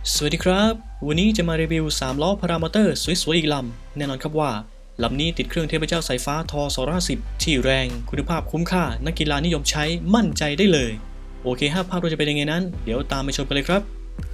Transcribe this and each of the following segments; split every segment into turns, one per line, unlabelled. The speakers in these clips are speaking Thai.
สวัสดีครับวันนี้จะมารีวิว3ล้อพารามอเตอร์สวยๆอีกลำแน่นอนครับว่าลำนี้ติดเครื่องเทพเจ้าสายฟ้าท250ที่แรงคุณภาพคุ้มค่านักกีฬานิยมใช้มั่นใจได้เลยโอเคภาพรวมจะเป็นยังไงนั้นเดี๋ยวตามไปชมกันเลยครับ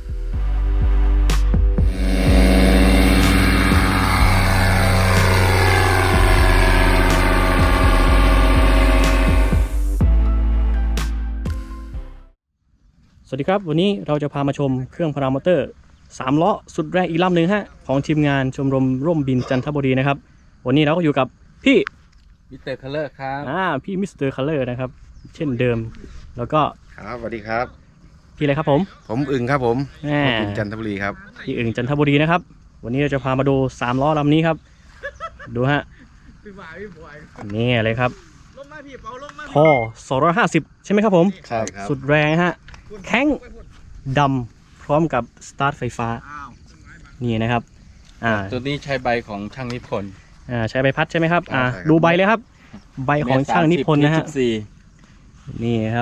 สวัสดีครับวันนี้เราจะพามาชมเครื่องพารามอเตอร์3ล้อสุดแรงอีกลำหนึ่งฮะของทีมงานชมรมร่มบินจันทบุรีนะครับวันนี้เราก็อยู่กับพี่
มิสเตอร์คัลเลอร์ครับ
พี่มิสเตอร์คัลเลอร์นะครับเช่นเดิมแล้วก็
ครับสวัสดีครับ
พี่อะไรครับผม
อึ่งครับผมอึ่งจันทบุรีครับ
พี่อึ่งจันทบุรีนะครับวันนี้เราจะพามาดู3ล้อลำนี้ครับดูฮะนี่เลยครับท่อ250ใช่ไหมครับผม
ใช่ครับ
สุดแรงฮะแข้งดำพร้อมกับสตาร์ทไฟฟ้านี่นะครับ
ตัวนี้ใช้ใบของช่างนิพนธ์
ใช้ใบพัดใช่ไหมครับดูใบเลยครับใบของช่างนิพนธ์นะฮะนี่ครับ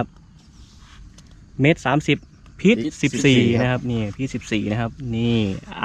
1.30 พีท14นะครับนี่พีท14นะครับนี่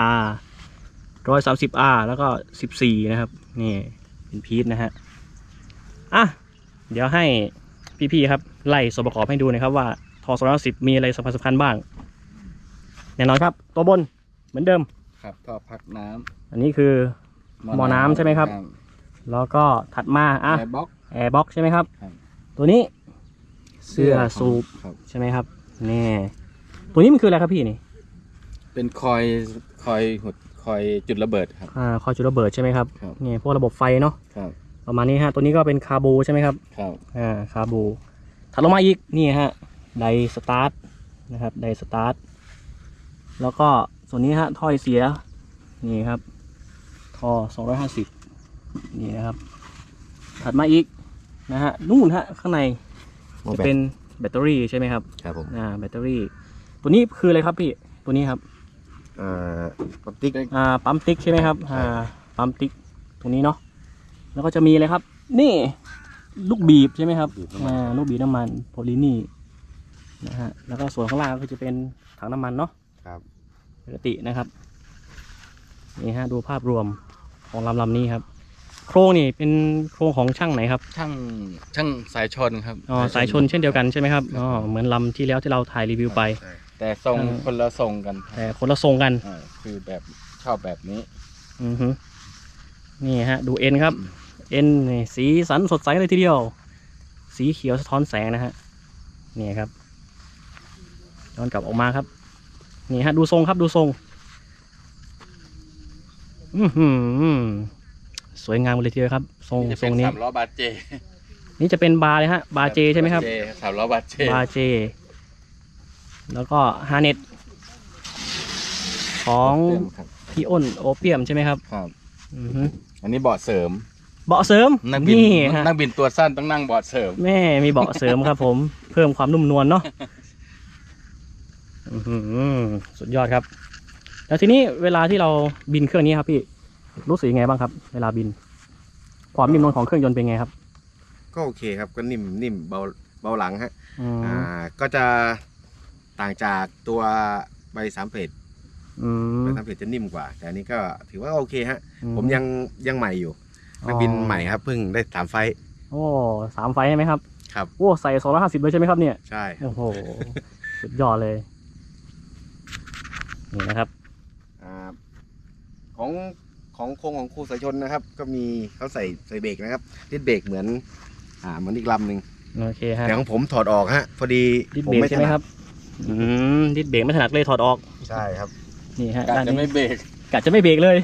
130 แล้วก็14นะครับนี่เป็นพีทนะฮะเดี๋ยวให้พี่ๆครับไล่ส่วนประกอบให้ดูนะครับว่าทอ210มีอะไรสำคัญบ้างแน่นอนครับตัวบนเหมือนเดิม
ครับท่อพักน้ำ
อันนี้คือหม้อน้ำใช่ไหมครับแล้วก็ถัดมา
แอร์บ็
อกใช่ไหมครับตัวนี้เสื้อสูบใช่ไหมครับนี่ตัวนี้มันคืออะไรครับพี่นี่
เป็นคอยจุดระเบิดครับ
คอยจุดระเบิดใช่ไหมครับนี่พวกระบบไฟเนาะประมาณนี้ฮะตัวนี้ก็เป็นคาบูใช่ไหมครับคาบูถัดลงมาอีกนี่ฮะไดสตาร์ทนะครับไดสตาร์ทแล้วก็ส่วนนี้ฮะท่อเสียนี่ครับท่อ250นี่นะครับถัดมาอีกนะฮะนู่นฮะข้างในจะเป็นแบตเตอรี่ใช่ไหมครับ
ครับผม
แบตเตอรี่ตัวนี้คืออะไรครับพี่ตัวนี้ครับ
ปั๊มติ๊ก
ปั๊มติ๊กใช่ไหมครับปั๊มติ๊กตรงนี้เนาะแล้วก็จะมีอะไรครับนี่ลูกบีบใช่ไหมครับลูกบีบน้ำมันโพลีนี่นะฮะแล้วก็ส่วนข้างล่างก็จะเป็นถังน้ำมันเนาะ
ครับ
ปกตินะครับนี่ฮะดูภาพรวมของลำนี้ครับโครงนี่เป็นโครงของช่างไหนครับ
ช่างสายชนครับ
สายชนเช่นเดียวกันใช่ไหมครับเหมือนลำที่แล้วที่เราถ่ายรีวิวไป
แต่ทรงคนละทรงกัน
แต่คนละทรงกัน
คือแบบชอบแบบนี้
นี่ฮะดูเอ็นครับเอ็นนี่สีสันสดใสเลยทีเดียวสีเขียวสะท้อนแสงนะฮะนี่ครับย้อนกลับออกมาครับนี่ฮะดูทรงครับดูทรงสวยงามเลยทีเดียวครับทรงนี้
3 ล้อบาเจ
นี่จะเป็นบาร์เลยฮะบาร์เจใช่ไหมครับ
3 ล้อบาเจ
แล้วก็ฮาร์เน็ตของพี่อ้นโอเปียมใช่ไหมครับ
ครับอันนี้เบาะเสริม
นี่
นั่งบินตัวสั้นต้องนั่งเบาะเสริม
แม่มีเบาะเสริมครับผมเพิ่มความนุ่มนวลเนาะสุดยอดครับแล้วทีนี้เวลาที่เราบินเครื่องนี้ครับพี่รู้สึกยังไงบ้างครับเวลาบินความนิ่มนวลของเครื่องยนต์เป็นไงครับ
ก็โอเคครับก็นิ่มเบาหลังฮะก็จะต่างจากตัวใบ3 เพจใบ3 เพจจะนิ่มกว่าแต่อันนี้ก็ถือว่าโอเคฮะผมยังใหม่อยู่นักบินใหม่ครับเพิ่งได้3 ไฟ
3 ไฟใช่ไหมครับ
ครับ
ใส่250เลยใช่ไหมครับเนี่ย
ใช่
โอ้โหสุดยอดเลยนี่นะครับ
ของโครงของครูสายชนนะครับก็มีเขาใส่เบรกนะครับดิสเบรกเหมือนอีกลำหนึ่ง
โอเคฮะ
แต่ของผมถอดออกฮะพอดี
ดิสเบรกใช่ไหมครับดิสเบรกไม่ถนัดเลยถอดออก
ใช่ครับ
นี่ฮะ
กะจะไม่เบร
กเลย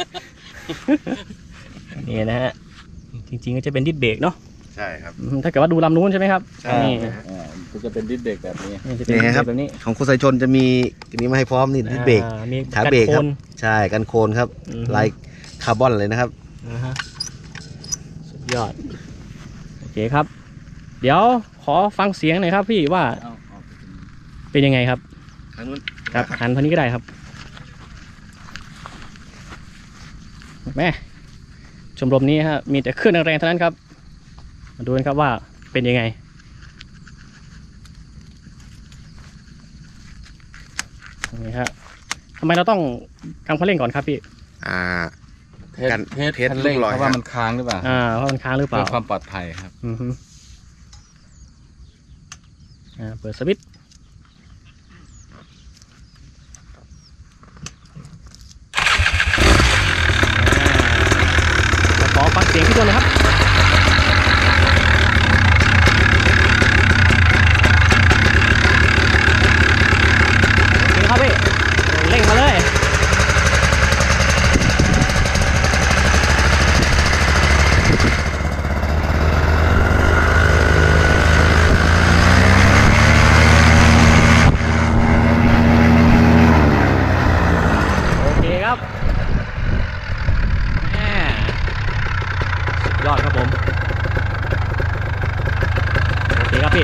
นี่นะฮะจริงๆก็จะเป็นดิสเบรกเนาะ
ใช่ครับ
ถ้าเกิดว่าดูลำนู้นใช่ไหมครับ
ใช่
ก็จะเป็นดิสเบรกแบบนี้
นี่ครับของครูสายชนจะมีมาให้พร้อมนี่ดิสเบรกขาเบรกครับใช่กันโคนครับลายคาร์บอนเลยนะครับ
สุดยอดโอเคครับเดี๋ยวขอฟังเสียงหน่อยครับพี่ว่าเป็นยังไงครับ
ทางนู้น
ครับหันทางนี้ก็ได้ครับแม่ชมรมนี้ฮะมีแต่เครื่องแรงๆเท่านั้นครับมาดูกันครับว่าเป็นยังไงนี่ฮะทำไมเราต้องกำคันเร่งก่อนครับพี่
เทส
การเทส
คันเร่ง
ลูกลอย
เพราะว่า
ครับ
มันค้างหรือเปล่า
เพราะมันค้างหรือเป
เพื่
ล่า
อความปลอดภัยครับ
อือฮึเปิดสวิตช์ขอฟังเสียงพี่ตัวนะครับครับพี่เร่งมาเลยโอเคครับแหม่สุดยอดครับผมโอเคครับพี่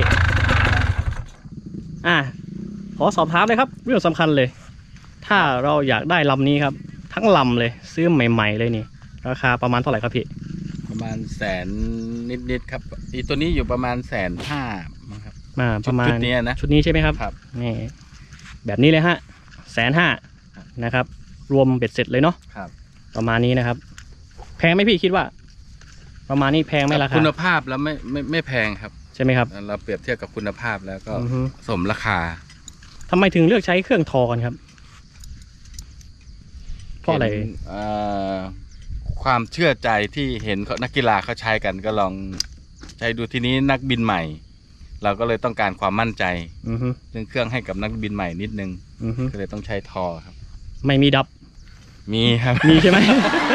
ขอสอบถามเลยครับเรื่องสำคัญเลย ถ้าเราอยากได้ลำนี้ครับทั้งลำเลยซื้อใหม่ๆเลยนี่ราคาประมาณเท่าไหร่ครับพี่
ประมาณแสนนิดๆครับอีตัวนี้อยู่ประมาณ150,000มั้งครับ
ประมาณ
ชุดนี้นะ
ชุดนี้ใช่ไหมครับ
ครับ
นี่แบบนี้เลยฮะ150,000นะครับ รวมเบ็ดเสร็จเลยเนาะ
ครับ
ประมาณนี้นะครับ แพงไหมพี่คิดว่า ประมาณนี้แพงไหมราคา
คุณภาพแล้วไม่แพงครับ
ใช่ไหมครับ
เราเปรียบเทียบกับคุณภาพแล้วก็
อือฮึ
สมราคา
ทำไมถึงเลือกใช้เครื่องทอกันครับ เพราะอะไร
ห็นความเชื่อใจที่เห็นนักกีฬาเขาใช้กันก็ลองใช้ดูทีนี้นักบินใหม่ เราก็เลยต้องการความมั่นใจ
อือฮึ
เรื่องเครื่องให้กับนักบินใหม่นิดนึง
อือฮึ
ก็เลยต้องใช้ทอครับ
ไม่มีดับ
มีครับ
มีใช่ไหม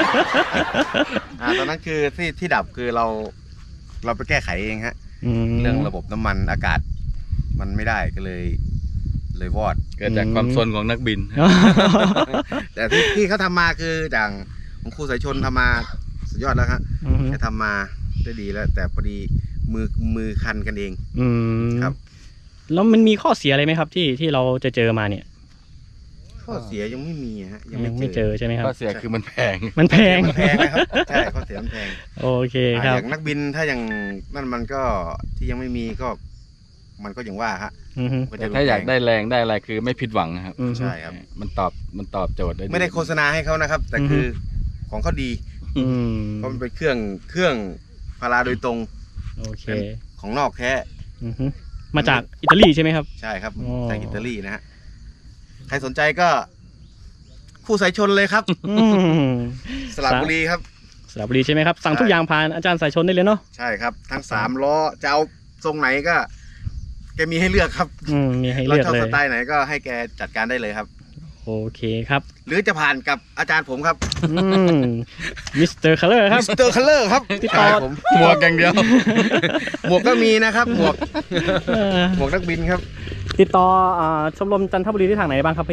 ตอนนั้นคือที่ดับคือเราไปแก้ไขเองฮะ
ม
เรื่องระบบน้ำมันอากาศมันไม่ได้ก็เลยวอด
เกิดจากความซนของนักบิน
แต่ที่เขาทำมาคืออย่างของครูสายชนทำมาสุดยอดแล้วฮะ
อือฮึ
จะทำมาได้ดีแล้ว แต่พอดีมือคันกันเอง
อืม
ครับ
แล้วมันมีข้อเสียอะไรไหมครับที่เราจะเจอมาเนี่ย
ข้อเสียยังไม่มีฮะ
ยังไม่เจอใช่ไหมครับ
ก็เสียคือมันแพง
มันแพง
มันแพงนะครับใช่ข้อเสียมันแพง
โอเคครับ
อย่างนักบินถ้าอย่างนั่นมันก็ที่ยังไม่มีก็มันก็อย่างว่าฮะ
อือฮึ
มัน
แต่
จะ
ถ้าอยากได้แรงได้อะไรคือไม่ผิดหวังนะครับ
อือฮึ
ใช่ครับ
มันตอบโจทย์ได้
ไม่ได้โฆษณาให้เขานะครับ แต่คือของเขาดี
อืม
เพราะมันเป็นเครื่องพาราโดยตรง
โอเค
ของนอกแท้
อือฮึมาจากอิตาลีใช่ไหมครับ
ใช่ครับ
อ๋อ
จากอิตาลีนะฮะใครสนใจก็คู่สายชนเลยครับ
อืม
สระบุรีครับ
สระบุรีใช่ไหมครับ สั่งทุกอย่างผ่านอาจารย์สายชนได้เลยเนาะ
ใช่ครับ ทั้ง3 ล้อจะเอาทรงไหนก็แกมีให้เลือกครับ
มีให้
เรา
เลือก
ชอบ
เล
ส
ย
ไตล์ไหนก็ให้แกจัดการได้เลยครับ
โอเคครับ
หรือจะผ่านกับอาจารย์ผมครับ
มิสเตอร์คัลเลอร์ครับ
มิสเตอร์คัลเลอร์ครับ
ติดต่อ
ใช่ผม
หมวกอย่างเดียว
หมวกก็มีนะครับ หมวกนักบินครับ
ติดต่อชมรมจันทบุรีที่ทางไหนบ้างครับพี่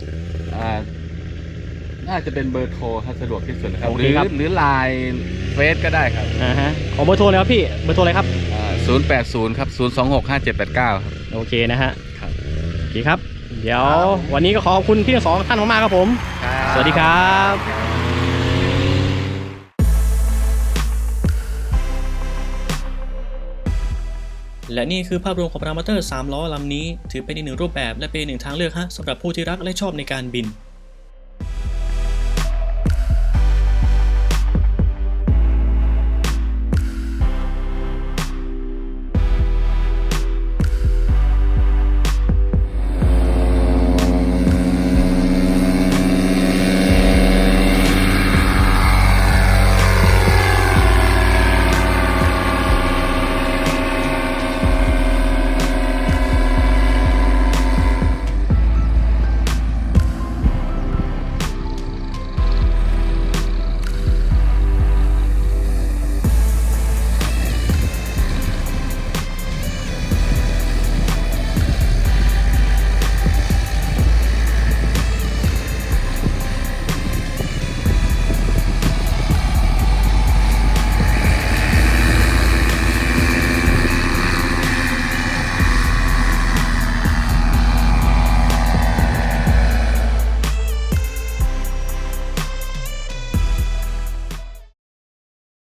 น่าจะเป็นเบอร์โทรครับสะดวกที่สุดนะครับ
โอ
ห
เค
รือ
ครับ
หรือไลน์เฟซก็ได้ครับ
ขอเบอร์โทรเลยครับพี่ เบอร์โทรอะไรครับ
080ครับ0265789ครับ
โอเคนะฮะ
ครับ
โอเคครับ เดี๋ยววันนี้ก็ขอบคุณพี่ทั้งสองท่านมากๆครับผม สวัสดีครับ และนี่คือภาพรวมของพารามอเตอร์3 ล้อลำนี้ถือเป็นอีกหนึ่งรูปแบบและเป็นอีกหนึ่งทางเลือกฮะสำหรับผู้ที่รักและชอบในการบิน